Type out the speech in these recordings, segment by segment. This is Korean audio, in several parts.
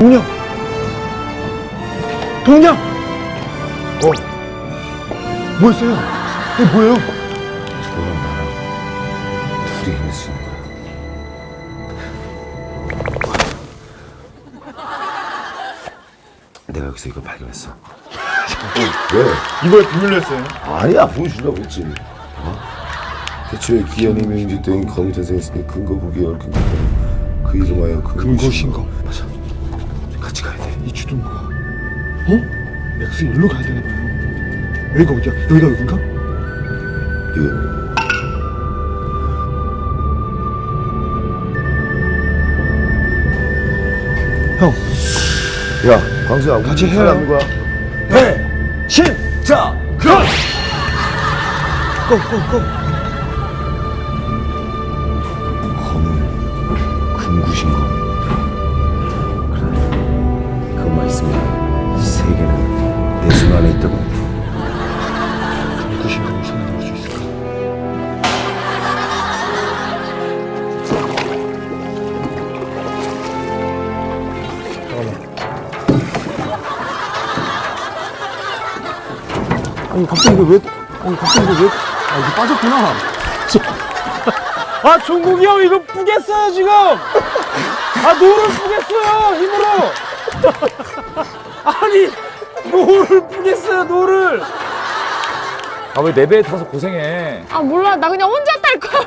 동영! 동영! 뭐였어요? 이게 뭐예요? 너랑 나랑 둘이 해낼 수 있는 거야. 내가 여기서 이걸 발견했어. 왜? 이걸 비밀로 했어요? 아니야, 보여주려고 했지. 대체 기한이 명인지 검이 탄생했으니 근거 부기에 얽힌 것처럼 그 이름하여 금고신검. 맞아. 같이 가야 돼. 이 주둔구가 엑스 일로 가야 되나 봐요. 여기가 어디야? 여기가 여긴가? 이거 형, 야, 광수야, 우리 같이 해요. 사람인 거야? 신! 자, 그럼! 고! 검은 금구신검. 그래, 그것만 있으면 이 세계는 내 손 안에 있다고. 금구신검을 손에 넣을 수 있을까? 아니, 갑자기 이거 왜, 이게 빠졌구나. 아, 종국이 형 이거 뿌겠어요 지금. 아, 노를 뿌겠어요 힘으로. 아니, 노를 뿌겠어요 노를. 아, 왜 내 배에 타서 고생해? 아 몰라 나 그냥 혼자 탈 거야.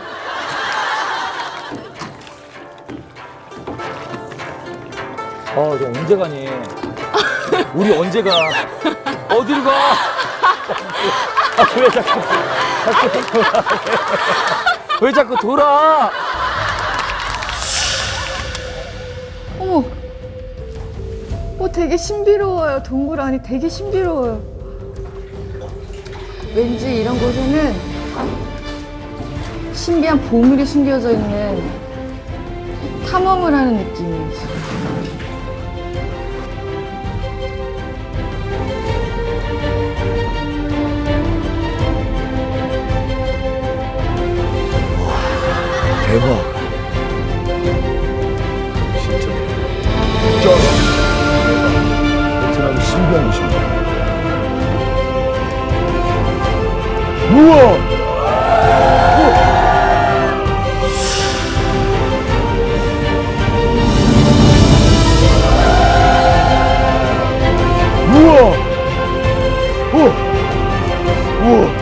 너 언제 가니? 우리 언제 가? 어딜 가? 왜 자꾸 돌아? 왜 자꾸 돌아? 어머 되게 신비로워요. 동굴 안이 되게 신비로워요. 왠지 이런 곳에는 신비한 보물이 숨겨져 있는 탐험을 하는 느낌이 있어요. 대박. 진짜. 쩔어. 베트남 신비한 곳입니다. 우와! 우와! 우와!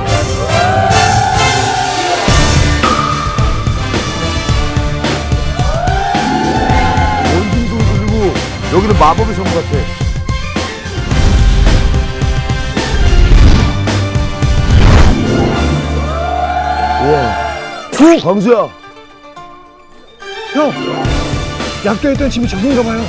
원심소리 들리고 여기는 마법의 성부 같아. 우와. 광수야. 형! 약도했던 집이 저긴가 봐요.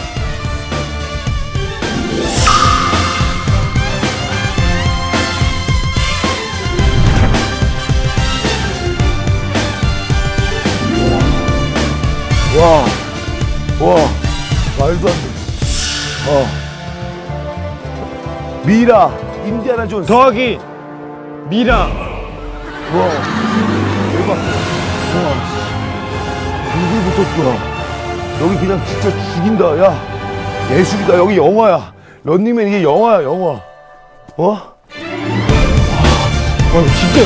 와. 와. 말도 안 돼. 미라. 인디아나 존스. 더하기 미라. 와. 대박. 와. 불불 붙었구나. 여기 그냥 진짜 죽인다. 야. 예술이다. 여기 영화야. 런닝맨 이게 영화야, 영화. 어? 와, 이거 진짜.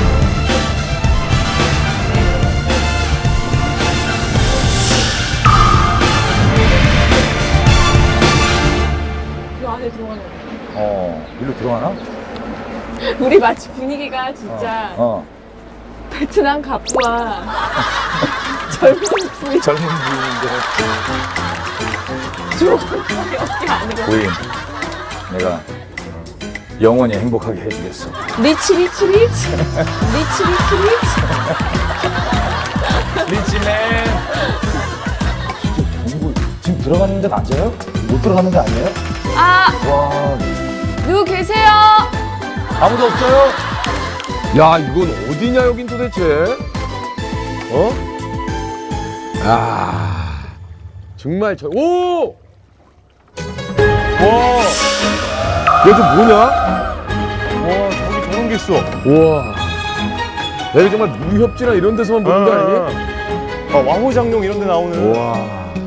이 안에 들어가는 일로 들어가나? 우리 마치 분위기가 진짜 베트남 갑과 젊은 부인 젊은 부인인데. 주옥밖에 없게 아니고 부인, 내가 영원히 행복하게 해주겠어. 리치 리치 리치 리치 리치 리치 리치맨. 동굴 지금 들어가는 데 맞아요? 못 들어가는 데 아니에요? 아 와, 누구 계세요? 아무도 없어요? 야, 이건 어디냐, 여긴 도대체? 어? 야, 정말 오! 와, 얘도 뭐냐? 와, 저기 저런 게 있어. 우와. 내가 정말 무협지나 이런 데서만 보는 거 아니니? 왕호장룡 이런 데 나오는. 우와.